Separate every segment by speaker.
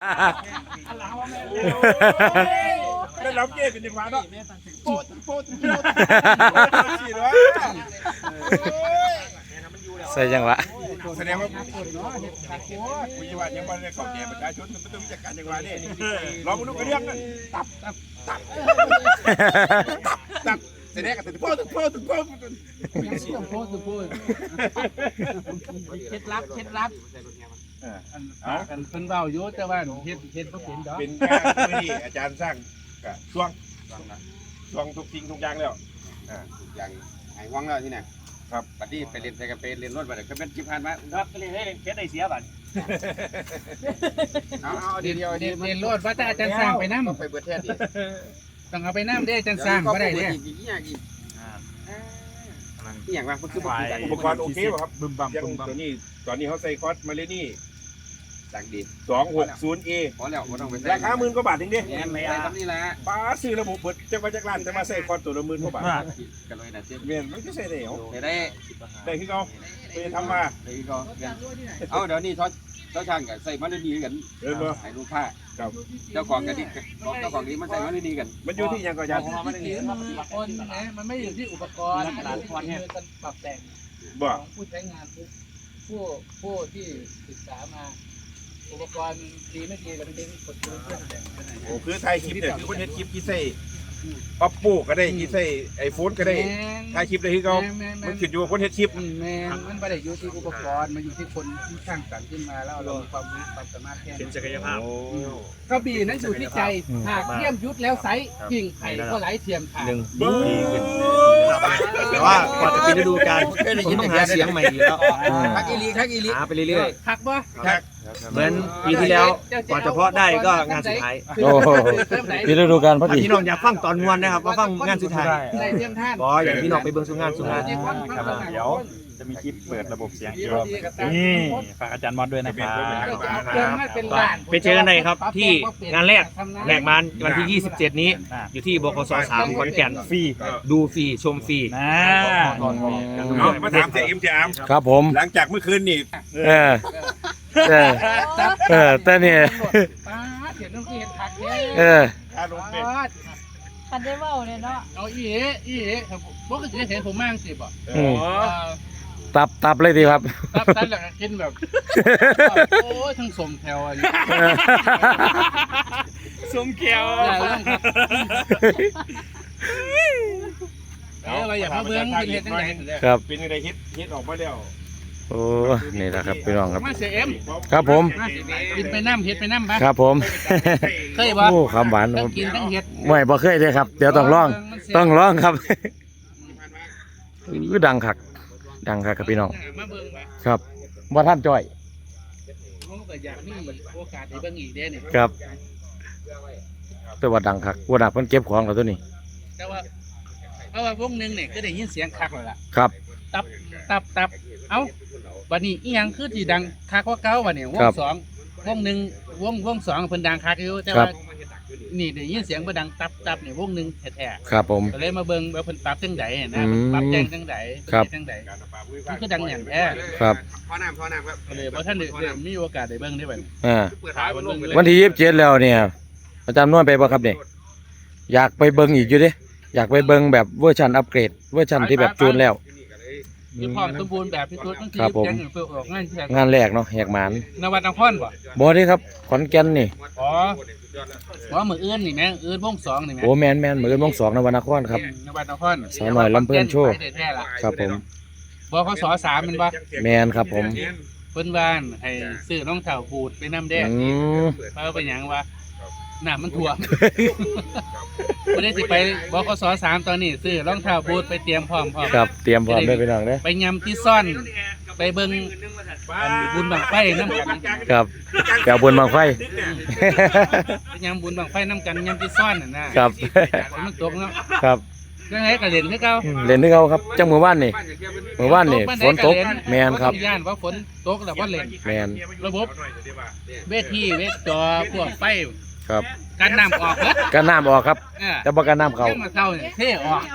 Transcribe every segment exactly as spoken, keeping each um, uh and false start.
Speaker 1: แล้วเราเก็บเป็นจังหวะเนาะโป๊ะโป๊ะโป๊ะสี่ร้อย
Speaker 2: ใส่จังหวะ
Speaker 1: แสดงว่าคุยว่ายังไม่ได้เข้าแก่ประชาชนมันต้องจัดการจังหวะนี่ลองมาดูกระเรื่องนั้นตับตับตับตับแสดงกันถึงโป๊ะถึงโป๊ะถึงโป๊ะ
Speaker 3: ต้องโพสต์พูดเคล็ดลับเคล็ดลับเอากันเพิ่นเว้าอยู่แต่ว่าเฮ็ดเฮ็ดบ่เป็นดอก
Speaker 1: เป็นงานที่อาจารย์สร้างกับช่วงช่วงทุกสิ่งทุกอย่างแล้ว
Speaker 4: อย่างไอ้ว่างแล้วที่ไหนครับบัดนี้ไปเรียนไปกันไปเรียนรถบัดก็เป็นจิผ่านมาครับไปเรียนให้เรียนได้เสียบัดเอาเอาเดียวเดียว
Speaker 3: เรียนรถว่าแต่อาจารย์สร้างไปนำ
Speaker 4: ไปเบิดแท้ดิ
Speaker 3: ต้องเอาไปนำเด้อาจารย์สร้างบ่ได้เด้
Speaker 4: อีกอย่างอีกอย่างว่ามันคือ
Speaker 1: อุปกรณ์โอเคป่ะครับบึมบัมบึมบัมตัวนี้ตอนนี้เขาใส่คอสมาเลนี่
Speaker 4: จากดี
Speaker 1: สองหกศูนย์เอ
Speaker 4: พอแล้วไม่ต้องไป
Speaker 1: ราคาหมื่นกว่าบาทจริงดิ
Speaker 4: ไม่ได้ครับนี่แหละ
Speaker 1: ป้าซื้อระบบเปิดจะมาจากร้านจะมาใส่คอสตัวละหมื่นกว่าบาท
Speaker 4: กันเลยนะเจ๊
Speaker 1: เมียนมันก็ใส่ได้เหรอ
Speaker 4: ได้
Speaker 1: ได้คือเขาไปทำมา
Speaker 4: ได้ก็เอาเดี๋ยวนี้เขาเขาช่างกันใส่มันดีกัน
Speaker 1: เออบ่
Speaker 4: ให้ลูกค้าเจ้าของกันดิเจ้าของนี้มันใส่มันดีกัน
Speaker 1: มันอยู่ที่ยังก็ยัง
Speaker 3: มันอยู่ที่คนนะมันไม่อยู่ที่อุปกรณ์มันอยู่ที่การปรับแต่งของผู้ใช้งานผู้ผู้ที่ศึกษามาอุปกรณ์ดีไม่ดีเราไม่ได้กดเครื่องแต่งไปไหน
Speaker 1: โอ้คือถ่ายคลิปเนี่ยคือคนเห็นคลิปที่ใส่ออปปูก็ได้ที่ใส่ไอโฟนก็ได้ถ่ายคลิปได้คือเขามันขึ้นอยู่กับคนเห็นคลิป
Speaker 3: แม่มันไม่ได้อยู่ที่อุปกรณ์มันอยู่ที่คนที่สร้างสรรค์ขึ้นมาแล้วเรามีความรู้ความสามารถแค่
Speaker 2: เป็นศักยภาพ
Speaker 3: กระบี่นั้นอยู่ที่ใจหากเทียมยุทธแล้วไซกิ่งไผ่ก็ไหลเทียมขาด
Speaker 2: หนึ่งแต่ว่าก่อนจะปีฤดูกาลผมต้องหาเสียงใหม่อีกแล้ว
Speaker 4: ทักอีลีทักอีลี
Speaker 2: หาไปเรื่อย
Speaker 3: ๆทักบ่
Speaker 2: เหมือนปีที่แล้วก่อนจะเพาะได้ก็งานสุดท้าย
Speaker 5: โอ้ปีฤดูกาลพอดี
Speaker 2: พี่น้องอยากฟังตอนมวนนะครับมาฟังงานสุดท้ายบออย่างพี่น้องไปเบิ่งสุงานสุงาน
Speaker 5: เดี๋ยวจะมีคลิปเปิดระบบเสียงอีกรอบนี่ฝากอาจารย์มอสด้วยนะครับ
Speaker 2: ไปเจอกันเลยครับที่งานแรกแรกมาวันที่ยี่สิบเจ็ดนี้อยู่ที่บกสสามขอนแก่นฟรีดูฟรีชมฟรี
Speaker 1: มาถามเสียเอ็มจาม
Speaker 5: ครับผม
Speaker 1: หลังจากเมื่อคืนนี่
Speaker 5: เออเออเออแต่เนี่ยเออ
Speaker 6: คันได้เว้าเลยเนาะ
Speaker 3: เอาอีเอ๋อีเอ๋ครับบ่ก็สิเห็นผมมั่งสิบ่
Speaker 5: อ๋อตับตับเลยดีครับ
Speaker 3: ตับตับแล้วก็กินแบบโอ้ยทั้งสมแถวอ่ะ
Speaker 2: สมแก้ว
Speaker 3: เออว่าอย่ามาเบิ่งเป็นเฮ็ดจังได๋
Speaker 5: ครับ
Speaker 1: เป็นจังได๋ฮิตฮิตออกมาแล้ว
Speaker 5: โอ้นี่แหละครับพี่น้องครับ
Speaker 3: มาเสียเอ็ม
Speaker 5: ครับผม
Speaker 3: กินไปน้ำเฮ็ดไปน้ำ
Speaker 5: ครับผม
Speaker 3: เคยบ่
Speaker 5: โอ้คำหวาน
Speaker 3: ครับกินทั้งเฮ็ด
Speaker 5: ไม่บ่เคยเลยครับเดี๋ยวต้องลองต้องลองครับคือดังคักดังคักครับพี่น้องครับบ่ท่านจ้อยครับแต่ว่าดังคักว่าดักเพิ่นเก็บของแล้วตัวนี้
Speaker 3: แต่ว่าเพราะว่าวงนึงเนี่ยก็ได้ยินเสียงคักแล้วล่ะ
Speaker 5: ครับ
Speaker 3: ตับตับตับเอ้าบัดนี้อีหยังคือที่ดังคักกว่าเก่าบัดนี้วงสองวงหนึ่งวงวงสองเพิ่นดังคักอยู่แต่ว่านี่ได้ยินเสียงบ่ดังตับตับนี่วงหนึ่งแท้
Speaker 5: ๆครับผม
Speaker 3: ก็เลยมาเบิ่งว่าเพิ่นปรับจังได๋นะปรับแจ้งจังได๋จังได๋มันคือดังหยังแท้
Speaker 5: ครับ
Speaker 4: พอน้ำพอน้ำครับ
Speaker 3: เลยบ่ทันได้มีโอกาสได้เบิ่งได้บัดนี้
Speaker 5: อ่าวันที่ยี่สิบเจ็ดแล้วเนี่ยอาจารย์นวลไปบ่ครับนี่อยากไปเบิ่งอีกอยู่เด้อยากไปเบิ่งแบบเวอร์ชันอัปเกรดเวอร์ชันที่แบบจูนแล้ว
Speaker 3: คือพร้อมสมบูรณ์แบบที่สุดตั้งที่แจ้งเปิดออกงานแรก
Speaker 5: งานแรกเนาะแหกหมาน
Speaker 3: นวัดนครบ่
Speaker 5: บ่ได้ครับขอนแก่นนี่
Speaker 3: อ๋ออ๋อมื้ออื่นนี่แม่อื่นวงสองนี่แม่
Speaker 5: โอ้แม่นๆมื้ออื่นวงสองนวัดนครครับ
Speaker 3: นวัดนคร
Speaker 5: สาวน้อยลำเพิ่นโชว์ครับผม
Speaker 3: บขสสามแม่นบ่
Speaker 5: แม่นครับผม
Speaker 3: เพิ่นว่าให้ซื้อรองเท้าบูทไปนำแดง
Speaker 5: อือ
Speaker 3: เพราะเป็นหยังวะน้ำมันท่วมบ่ได้สิไปบขสสามตอนนี้ซื้อรองเท้าบูทไปเตรียมพร้อมพร้อม
Speaker 5: ครับเตรียมพร้อมได้พี่น้องเด้
Speaker 3: ไปยำที่ซ่อนไปเบิ่งบุญบังไฟน้ำกัน
Speaker 5: ครับแก้วบุญบังไฟ
Speaker 3: ไปยำบุญบังไฟน้ำกันยำที่ซ่อนน่ะนะครับมันตกเนาะ
Speaker 5: ครับ
Speaker 3: จังได๋ก็เล่นคือเก่า
Speaker 5: เล่นคือเก่าครับจังมื้อวานนี่มื้อวานนี่ฝนตกแม่นครับ
Speaker 3: ย่านว่าฝนตกแล้วบ่เล่น
Speaker 5: แม่น
Speaker 3: ระบบเวทีเวทจอพวกไฟ
Speaker 5: ครับ
Speaker 3: กันน้ำออกเด้อ
Speaker 5: กันน้ำออกครับแต่บ่กันน้ำเข้า
Speaker 3: มาเข้าเนี่ยเทออก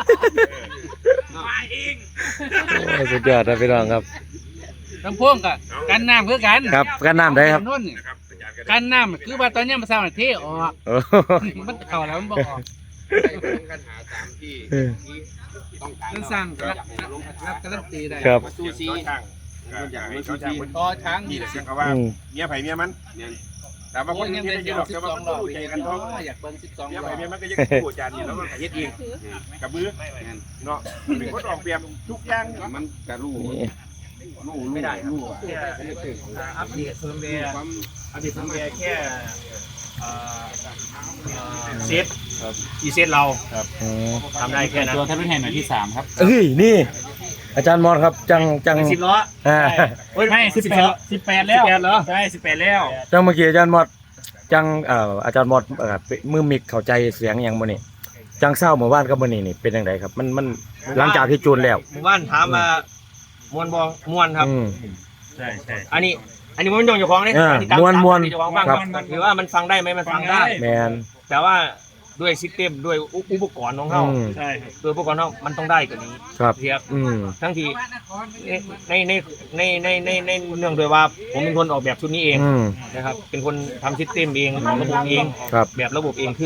Speaker 5: โอ้สุดยอดครับพี่น้องครับ
Speaker 3: ลำพ่วงกับกันน้ำคือกัน
Speaker 5: ครับกันน้ำได้ครับ
Speaker 3: การน้ำคือว่าตอนนี้มันสร้างเทออก
Speaker 5: โอ้
Speaker 3: มันเข่าแล้วมันบอกออก
Speaker 4: กันหาตามที่
Speaker 5: เออ
Speaker 4: ต้องการ
Speaker 3: มันสร้างรับรับการันตีได้
Speaker 5: ครับ
Speaker 4: ซูซี
Speaker 1: ช่างอยากให้เขาช่างคน
Speaker 3: ต่อช้าง
Speaker 1: นี่แหละเขาว่า
Speaker 5: อืม
Speaker 1: เมียไผ่เมียมัน
Speaker 4: เนี่ย
Speaker 1: แต่บางคนที่ได้ยินหรอกแต่ว่ามันรู้ใจกันท้อง
Speaker 3: อยากเบิ้งสิบสอง
Speaker 1: เมีย
Speaker 3: รอ
Speaker 1: ไผ่
Speaker 3: บ
Speaker 1: เมียมันก็ยังพูดจานนี่แล้วมันก็เฮ็ดเองกับมือเนาะเป็นคนออกแบบทุกอย่าง
Speaker 4: มันกระรู้
Speaker 5: นี่
Speaker 4: รู้ไม่ได้รู้อ่ะ
Speaker 2: อัปเดตเพิ่มเบียร์
Speaker 4: ความ
Speaker 2: อัปเดตเพิ่มเบียร์แค่เอ่อเอ่อเซตอีเซตเรา
Speaker 5: อืม
Speaker 2: ทำได้แค่นั้น
Speaker 3: ตัวทัพเป็นแห่งหน่อยที่สามครับ
Speaker 5: เอ้ยนี่ อาจารย์มอนครับจังจัง
Speaker 2: สิบล้อ
Speaker 5: อ่า
Speaker 2: เฮ้ยไม่สิบแปดสิบแปดแล้วเหรอใช่สิบแปดแล้ว
Speaker 5: จังเมื่อกี้อาจารย์มอดจังเอ่ออาจารย์มอดเอ่อมือมิกเข้าใจเสียงอย่างมื้อนี้จังเศร้าเมื่อวานกับมื้อนี้นี่เป็นจังไดครับมันมันหลังจากที่จูนแล้ว
Speaker 2: หมู่บ้านถามมามวนบอมวนครับ
Speaker 5: อืม
Speaker 2: ใช่ใช่อันนี้ อันนี้มันยองเจ้าของเนี่ย
Speaker 5: อ่า
Speaker 2: อันนี้ตาม
Speaker 5: ม่วนม่วน
Speaker 2: ตามที่เจ้าของฟัง
Speaker 5: ครับ
Speaker 2: มันถือว่ามันฟังได้ไหมมันฟังได้
Speaker 5: แมน
Speaker 2: แต่ว่าด้วยซิสเต็มด้วยอุอุปกรณ์ของเขา
Speaker 5: อืม
Speaker 2: ใช่ด้วยอุปกรณ์ของเขามันต้องได้กว่านี้
Speaker 5: ครับ
Speaker 2: เทียบ
Speaker 5: อืม
Speaker 2: ทั้งที่ในในในในในในเนื่องด้วยว่าผมเป็นคนออกแบบชุดนี้เอง
Speaker 5: อืม
Speaker 2: นะครับเป็นคนทำซิสเต็มเองออกระบบเอง
Speaker 5: ครับ
Speaker 2: แบบระบบเองคือ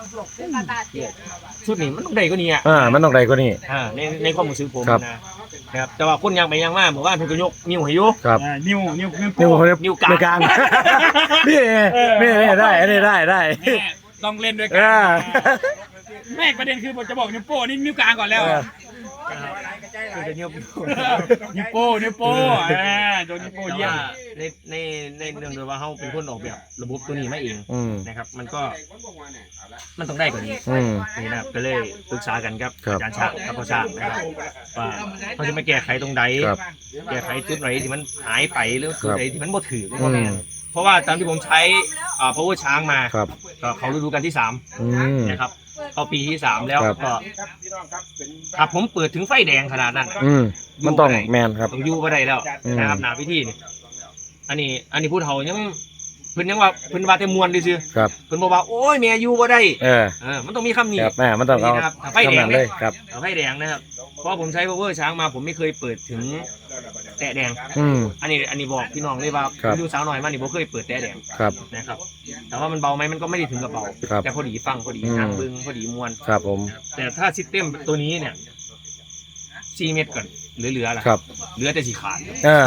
Speaker 2: ชุดนี้มันต้องได้กว่านี้อ่ะ
Speaker 5: อ่ามันต้องได้กว่านี้
Speaker 2: อ่าในในความรู้สึกผม
Speaker 5: ครับ
Speaker 2: นะนะครับแต่ว่าคนยังไปยังมาหมู่บ้านเพิ่นก็ยกนิ้วให้อยู่
Speaker 5: ครับ
Speaker 2: นิ้วนิ้วนิ้ว
Speaker 5: นิ้ว
Speaker 2: นิ้วกลาง
Speaker 5: นิ้วกลางนี่นี่นี่ได้อันนี้ได้ได้
Speaker 2: ต้องเล่นด้วยกั
Speaker 5: อ่า
Speaker 2: แม่ประเด็นคือผมจะบอกนิ้วโป้นี่นิ้วกลางก่อนแล้ว
Speaker 5: เออ
Speaker 2: คือนิ้วนิ้วโป้นิ้วโป้อ่าโดนนิ้วโป้เยี่ยมในในในเรื่องด้วยว่าเขาเป็นคนออกแบบระบบตัวนี้มาเอง
Speaker 5: อืม
Speaker 2: นะครับมันก็มันต้องได้กว่านี้
Speaker 5: อืม
Speaker 2: นี่นะครับก็เลยปรึกษากันครับ
Speaker 5: ครับ
Speaker 2: อาจารย์ชาติกับพ่อชาตินะครับว่าเขาจะมาแก้ไขตรงใด
Speaker 5: ครับ
Speaker 2: แก้ไขจุดไหนที่มันหายไปหรือจุดไหนที่มันบ่ถือ
Speaker 5: อืม
Speaker 2: เพราะว่าตามที่ผมใช้อ่า power ช้างมา
Speaker 5: ครับ
Speaker 2: ก็เขาฤดูกาลที่สาม
Speaker 5: อืม
Speaker 2: นะครับเข้าปีที่สามแล้ว
Speaker 5: ครับ
Speaker 2: ก็ถ้าผมเปิดถึงไฟแดงขนาดนั้น
Speaker 5: อืมมันต้องแมนครับ
Speaker 2: ต้องอยู่บ่ได้แล้ว
Speaker 5: อืม
Speaker 2: นะครับหนาพิธีนี่อันนี้อันนี้พูดเฒ่ายังเพิ่นยังว่าเพิ่นว่าแต่มวนซื่อ
Speaker 5: ครับ
Speaker 2: ๆเพิ่นบอกว่าโอ้ยแม่อยู่บ่ได้
Speaker 5: เออ
Speaker 2: เออมันต้องมีคำนี้
Speaker 5: ครับแม่มันต้องเอา
Speaker 2: นี่นะครับไฟแดง
Speaker 5: คำนั้นเลยครับ
Speaker 2: เอาไฟแดงนะครับเพราะผมใช้ power ช้างมาผมไม่เคยเปิดถึงแตะแดง
Speaker 5: อืม
Speaker 2: อันนี้อันนี้บอกพี่น้องเลยว่า
Speaker 5: ครับ
Speaker 2: ผมดูสาวหน่อยมานี่ผมเคยเปิดแตะแดง
Speaker 5: ครับ
Speaker 2: นะครับแต่ว่ามันเบาไหมมันก็ไม่ได้ถึงกับเบา
Speaker 5: ครับ
Speaker 2: แต่พอดีฟังพอดี
Speaker 5: อืม
Speaker 2: นั่งบึงพอดีมวน
Speaker 5: ครับผม
Speaker 2: แต่ถ้าซิสเต็มตัวนี้เนี่ยสี่เม็ดก่อนเหลือๆล่ะ
Speaker 5: ครับ
Speaker 2: เหลือแต่สีขาด
Speaker 5: อ่า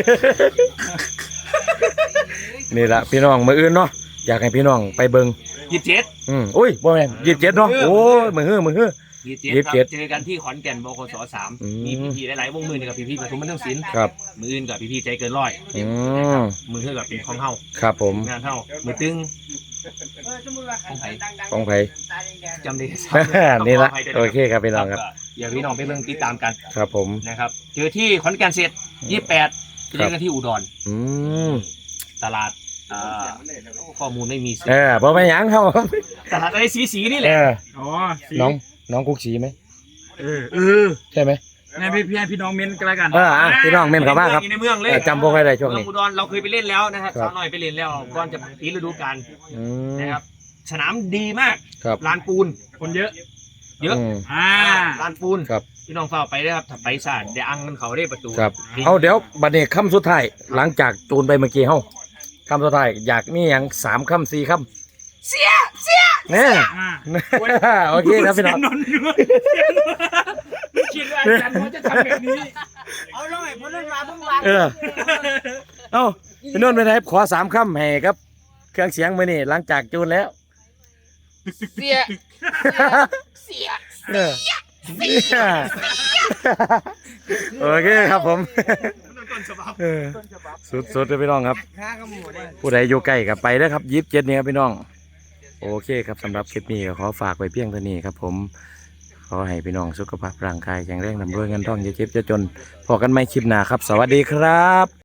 Speaker 5: นี่ละพี่น้องมืออื่นเนาะอยากให้พี่น้องไปเบิง
Speaker 2: ยี่สิบเจ็ด
Speaker 5: อืมอุ้ยบ่แม่นยี่สิบเจ็ดเนาะโอ้ยมือฮื้อมือฮื้อ
Speaker 2: ยี่
Speaker 5: ยี่สิบเจ็ด
Speaker 2: เจอกันที่ขอนแก่นบคสสาม
Speaker 5: อืม
Speaker 2: มีพี่ๆหลายๆวงมือนี่กับพี่ๆปทุมบันเทิงศิลป์
Speaker 5: ครับ
Speaker 2: มืออื่นกับพี่ๆใจเกินร้อย
Speaker 5: อืม
Speaker 2: มือเท่ากับเป็นของเฮา
Speaker 5: ครับผม
Speaker 2: งานเฮามือตึงของไผ
Speaker 5: ของไผ
Speaker 2: จำได้
Speaker 5: นี่ละ
Speaker 2: ขอภัยด้วย
Speaker 5: โอเคครับพี่น้องครับ
Speaker 2: อย่าพี่น้องไปเบิ่งติดตามกัน
Speaker 5: ครับผม
Speaker 2: นะครับเจอที่ขอนแก่นเสร็จยี่สิบแปดเจอกันที่อุดร
Speaker 5: อืม
Speaker 2: ตลาดอ่าข้อมูลไม่มี
Speaker 5: เออบ่ไปนหยังเฮา
Speaker 2: ตลาดอะไรสีสีๆนี่แห
Speaker 5: เอ
Speaker 2: ละ
Speaker 5: อ
Speaker 2: อ๋อ
Speaker 5: น้องน้องกุ๊กสีไหม
Speaker 2: เออเออ
Speaker 5: ใช่ไหม
Speaker 2: งั้นพี่พี่พี่น้องเม้นกันแล้วกัน
Speaker 5: เอออ่ะพี่น้องเม้นเข้ามาครับ
Speaker 2: ในเมืองเลย
Speaker 5: เออจำบ่ค่อยได้ช่วงนี้
Speaker 2: เมืองอุดรเราเคยไปเล่นแล้วนะครับ
Speaker 5: ครับ
Speaker 2: สาวน้อยไปเล่นแล้วก่อนจะปีฤดูกาล
Speaker 5: อืม
Speaker 2: นะครับสนามดีมาก
Speaker 5: ครับ
Speaker 2: ลานปูนคนเยอะ เยอะ
Speaker 5: อืม
Speaker 2: อ่าลานปูน
Speaker 5: ครับ
Speaker 2: พี่น้องเฝ้าไปได้ครับถ้าไปซ่าเดี๋ยวอังกันเขาได้ประตู
Speaker 5: ครับเอาเดี๋ยวบัดนี้คำสุดท้ายหลังจากจูนไปเมื่อกี้เฮาคำสุดท้ายอยากมีหยังสามคำสี่คำเสียเสียเนี่ยโอเคครับพี่น้อง
Speaker 2: นนท์ไม่คิดว่าอาจารย์เขาจะทำแบบนี้
Speaker 6: เอาลงไอ้พนันมาเพิ่งวาง
Speaker 5: เออเอ้าพี่นนท์ไปไหนขอสามคำให้ครับ เครื่องเสียงมือนี่หลังจากจูนแล้ว
Speaker 6: เสียเสีย
Speaker 5: เออโอเคครับผมเออสุดๆเลยพี่น้องครับ ผู้ใดอยู่ใกล้กับไปเด้อครับยิบเจ็ดนี่ครับพี่น้อง โอเคครับสำหรับคลิปนี้ก็ขอฝากไว้เพียงเท่านี้ครับผม ขอให้พี่น้องสุขภาพร่างกายแข็งแรงร่ำรวยเงินทองอย่าเจ็บอย่าจนพอกันไม่คลิปหน้าครับ สวัสดีครับ